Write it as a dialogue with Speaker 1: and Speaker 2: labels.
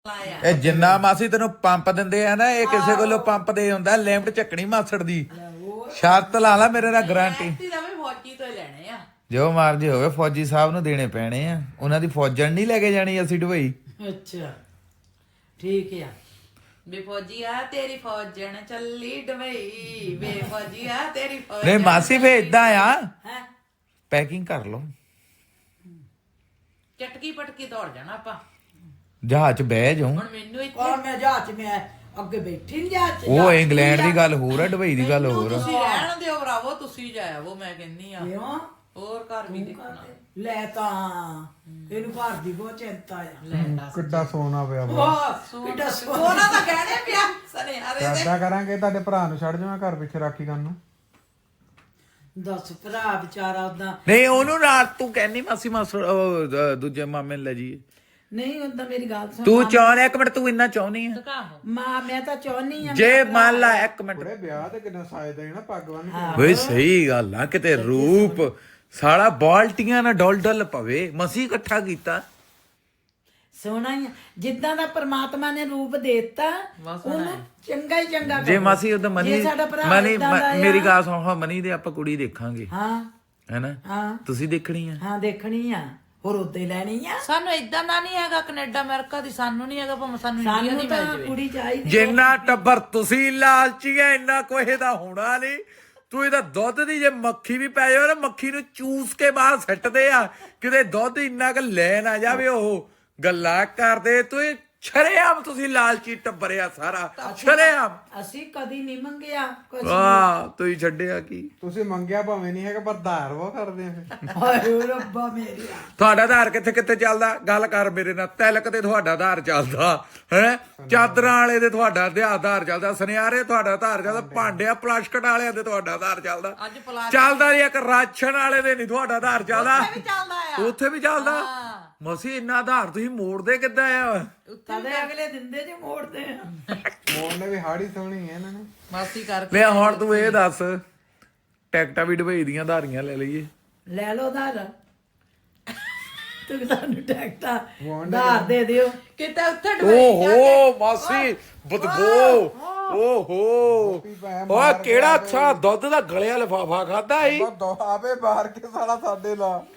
Speaker 1: ਇਹ ਜਿੰਨਾ ਮਾਸੀ ਤੈਨੂੰ ਪੰਪ ਦਿੰਦੇ ਆ ਨਾ ਇਹ ਕਿਸੇ ਕੋਲੋਂ ਪੰਪ ਦੇ ਹੁੰਦਾ ਲਿਮਟ ਚੱਕਣੀ ਮਾਸੜ ਦੀ ਸ਼ਰਤ ਲਾ ਲਾ ਮੇਰੇ ਨਾਲ ਗਾਰੰਟੀ
Speaker 2: ਫੌਜੀ ਤੋਂ ਲੈਣੇ ਆ
Speaker 1: ਜੋ ਮਰਜੀ ਹੋਵੇ ਫੌਜੀ ਸਾਹਿਬ ਨੂੰ ਦੇਣੇ ਪੈਣੇ ਆ ਉਹਨਾਂ ਦੀ ਫੌਜਣ ਨਹੀਂ ਲੈ ਕੇ ਜਾਣੀ ਅਸੀਂ ਦੁਬਈ।
Speaker 3: ਅੱਛਾ ਠੀਕ ਆ
Speaker 2: ਬੇ ਫੌਜੀ ਆ ਤੇਰੀ ਫੌਜਣ ਚੱਲੀ ਦੁਬਈ ਬੇ ਫੌਜੀ ਆ ਤੇਰੀ ਫੌਜ
Speaker 1: ਨਹੀਂ ਮਾਸੀ ਫੇ ਇਦਾਂ ਆ
Speaker 3: ਹੈ
Speaker 1: ਪੈਕਿੰਗ ਕਰ ਲਓ
Speaker 2: ਚਟਕੀ ਪਟਕੀ ਦੌੜ ਜਾਣਾ ਆਪਾਂ
Speaker 1: ਜਹਾਜ਼ 'ਚ ਬਹਿ ਜਾਉ।
Speaker 2: ਹੁਣ ਮੈਨੂੰ ਇੱਥੇ
Speaker 3: ਕੌਣ ਮੈਂ ਜਹਾਜ਼ ਚ ਮੈਂ ਅੱਗੇ ਬੈਠੀ ਨਹੀਂ ਜਹਾਜ਼ ਚ
Speaker 1: ਉਹ ਇੰਗਲੈਂਡ ਦੀ ਗੱਲ ਹੋਰ ਆ ਦੁਬਈ ਦੀ ਗੱਲ ਹੋਰ ਆ।
Speaker 2: ਤੁਸੀਂ ਰਹਿਣ ਦਿਓ ਭਰਾਵੋ ਤੁਸੀਂ ਜਾਇਆ ਉਹ ਮੈਂ ਕਹਿੰਨੀ ਆ
Speaker 3: ਕਿਉਂ
Speaker 2: ਹੋਰ ਘਰ ਵੀ ਦੇਖਣਾ
Speaker 3: ਲੈ ਤਾਂ ਇਹਨੂੰ ਘਰ ਦੀ ਬਹੁਤ ਚਿੰਤਾ ਆ
Speaker 2: ਲੈ ਦੱਸ
Speaker 4: ਕਿੱਡਾ ਸੋਨਾ ਪਿਆ ਵਾ।
Speaker 3: ਵਾਹ ਕਿੱਡਾ
Speaker 2: ਸੋਨਾ ਤਾਂ ਕਹਿਣੇ ਪਿਆ ਸਨੇ ਹਾਰੇ ਦੇ
Speaker 4: ਏਦਾਂ ਕਰਾਂਗੇ ਤੁਹਾਡੇ ਭਰਾ ਨੂੰ ਛੱਡ ਜਾਵਾਂ ਘਰ ਪਿੱਛੇ ਰਾਖੀ ਕਰਨ ਨੂੰ।
Speaker 3: ਦੱਸ ਭਰਾ ਵਿਚਾਰਾ ਉਦਾਂ
Speaker 1: ਨਹੀਂ ਉਹਨੂੰ ਰਾਤ ਤੂੰ ਕਹਿੰਨੀ ਮਾਸੀ ਮਾਸੜ ਉਹ ਦੂਜੇ ਮਾਮੇ ਨੂੰ ਲੈ ਜੀ
Speaker 3: ਨਹੀਂ ਉਦਾਂ ਮੇਰੀ ਗੱਲ ਸੁਣ
Speaker 1: ਤੂੰ ਚਾਹੁੰਦਾ ਇੱਕ ਮਿੰਟ ਤੂੰ ਇੰਨਾ ਚਾਹੁੰਦੀ ਆ
Speaker 2: ਕਾਹੋ
Speaker 3: ਮਾਂ ਮੈਂ ਤਾਂ ਚਾਹੁੰਨੀ ਆ
Speaker 1: ਜੇ ਮੰਨ ਲਾ ਇੱਕ ਮਿੰਟ
Speaker 4: ਬੜੇ ਵਿਆਹ ਤੇ ਕਿੰਨਾ ਸਾਜਦਾ ਹੈ ਨਾ ਪੱਗ ਬੰਨ ਕੇ।
Speaker 1: ਓਏ ਸਹੀ ਗੱਲ ਆ ਕਿਤੇ ਰੂਪ ਸਾਲਾ ਬਾਲਟੀਆਂ ਨਾਲ ਡੋਲ ਡੋਲ ਪਵੇ ਮਸੀਂ ਇਕੱਠਾ ਕੀਤਾ
Speaker 3: ਸੋਹਣਾ ਹੀ ਆ। ਜਿੱਦਾਂ ਦਾ ਪ੍ਰਮਾਤਮਾ ਨੇ ਰੂਪ ਦੇਤਾ ਉਹਨੂੰ ਚੰਗਾ ਹੀ ਚੰਗਾ
Speaker 1: ਜੇ
Speaker 3: ਕਰੋ।
Speaker 1: ਮਾਸੀ ਉਹਦਾ ਮਨੀ
Speaker 3: ਜੇ ਸਾਡਾ ਭਰਾ
Speaker 1: ਮਨੀ
Speaker 3: ਏਦਾਂ ਦਾ ਆ-
Speaker 1: ਮੇਰੀ ਗੱਲ ਸੁਣ ਹਾਂ ਮਨੀ ਦੇ ਆਪਾਂ ਕੁੜੀ ਦੇਖਾਂਗੇ
Speaker 3: ਹਾਂ
Speaker 1: ਹੈਨਾ
Speaker 3: ਹਾਂ
Speaker 1: ਤੁਸੀਂ ਦੇਖਣੀ ਆ
Speaker 3: ਹਾਂ ਦੇਖਣੀ ਆ ਹੋਰ ਉੱਤੇ ਲੈਣੀ ਆ
Speaker 2: ਸਾਨੂੰ ਇਦਾਂ ਦਾ ਨਹੀਂ ਹੈਗਾ ਕੈਨੇਡਾ ਅਮਰੀਕਾ ਦੀ ਸਾਨੂੰ ਨਹੀਂ ਹੈਗਾ ਭਾਵੇਂ ਸਾਨੂੰ ਇੰਡੀਆ
Speaker 3: ਸਾਨੂੰ
Speaker 2: ਦੀ
Speaker 3: ਤਾਂ
Speaker 2: ਮਿਲ ਜਾਵੇ
Speaker 3: ਕੁੜੀ ਚਾਹੀਦੀ
Speaker 1: ਜਿੰਨਾ ਟੱਬਰ ਤੁਸੀਂ ਲਾਲਚੀ ਐ ਇੰਨਾ ਕੋਈ ਦਾ ਹੋਣਾ ਨਹੀਂ ਤੂੰ ਇਹਦਾ ਦੁੱਧ ਦੀ ਜੇ ਮੱਖੀ ਵੀ ਪੈ ਜਾਵੇ ਨਾ ਮੱਖੀ ਨੂੰ ਚੂਸ ਕੇ ਬਾਹਰ ਸੱਟਦੇ ਆ ਕਿਤੇ ਦੁੱਧ ਇੰਨਾ ਕੁ ਲੈ ਨਾ ਜਾਵੇ ਉਹ ਗੱਲਾਂ ਕਰਦੇ ਤੂੰ ਇਹ ਛਰੇਆਮ ਤੁਸੀਂ ਲਾਲਚੀ ਟੱਬਰਿਆ ਸਾਰਾ ਛਰੇਆਮ
Speaker 3: ਅਸੀਂ ਕਦੀ ਨਹੀਂ ਮੰਗਿਆ ਕੁਝ
Speaker 1: ਵਾਹ ਤੁਸੀਂ ਛੱਡਿਆ ਕੀ
Speaker 4: ਤੁਸੀਂ ਮੰਗਿਆ ਭਾਵੇਂ ਨਹੀਂ ਹੈਗਾ ਪਰ ਧਾਰ ਵਾ ਕਰਦੇ ਆ ਫਿਰ।
Speaker 3: ਹਾਏ ਓ ਰੱਬਾ ਮੇਰੀਆ
Speaker 1: ਤੁਹਾਡਾ ਆਧਾਰ ਕਿੱਥੇ ਕਿੱਥੇ ਚੱਲਦਾ ਗੱਲ ਕਰ ਮੇਰੇ ਨਾਲ ਤਿਲਕ ਤੇ ਤੁਹਾਡਾ ਆਧਾਰ ਚੱਲਦਾ ਹੈ ਚਾਦਰਾਂ ਵਾਲੇ ਦੇ ਤੁਹਾਡਾ ਆਧਾਰ ਚੱਲਦਾ ਸੁਨਿਆਰੇ ਤੁਹਾਡਾ ਆਧਾਰ ਚੱਲਦਾ ਭਾਂਡਿਆ ਪਲਾਸਟਿਕ ਵਾਲਿਆਂ ਦੇ ਤੁਹਾਡਾ ਆਧਾਰ ਚੱਲਦਾ
Speaker 2: ਅੱਜ ਪਲਾਸ
Speaker 1: ਚੱਲਦਾ ਨਹੀਂ ਇੱਕ ਰਾਸ਼ਨ ਵਾਲੇ ਦੇ ਨਹੀਂ ਤੁਹਾਡਾ ਆਧਾਰ ਚੱਲਦਾ
Speaker 2: ਵੀ ਚੱਲਦਾ ਆ
Speaker 1: ਉੱਥੇ ਵੀ ਚੱਲਦਾ ਮਸੀ ਇੰਨਾ ਆਧਾਰ ਤੁਸੀਂ ਮੋੜਦੇ ਕਿੱਦਾਂ ਆ
Speaker 3: ਕਦੇ ਅਗਲੇ ਦਿੰਦੇ ਜੇ ਮੋੜਦੇ ਆ
Speaker 4: ਮੋੜ ਨੇ ਵੀ ਹਾੜੀ ਸੋਹਣੀ ਹੈ ਇਹਨਾਂ ਨੇ।
Speaker 2: ਮਾਸੀ ਕਰਕੇ
Speaker 1: ਲੈ ਹੁਣ ਤੂੰ ਇਹ ਦੱਸ ਟਿਕਟਾਂ ਵੀ ਦੁਬਈ ਦੀਆਂ ਆਧਾਰੀਆਂ ਲੈ ਲਈਏ
Speaker 3: ਲੈ ਲਓ ਧਾਰ ਤੂੰ ਤੁਹਾਨੂੰ ਟੈਕਟਾ ਧਾਰ ਦੇ ਦਿਓ
Speaker 2: ਕਿਤੇ ਉੱਥੇ ਡੁਬਈ
Speaker 1: ਓਹੋ ਮਾਸੀ ਬਦਬੋ ਓਹੋ ਓਏ ਕਿਹੜਾ ਅੱਛਾ ਦੁੱਧ ਦਾ ਗਲਿਆ ਲਿਫਾਫਾ ਖਾਦਾ ਈ
Speaker 4: ਆਪੇ ਬਾਹਰ ਕੇ ਸਾਲਾ ਸਾਡੇ ਲਾ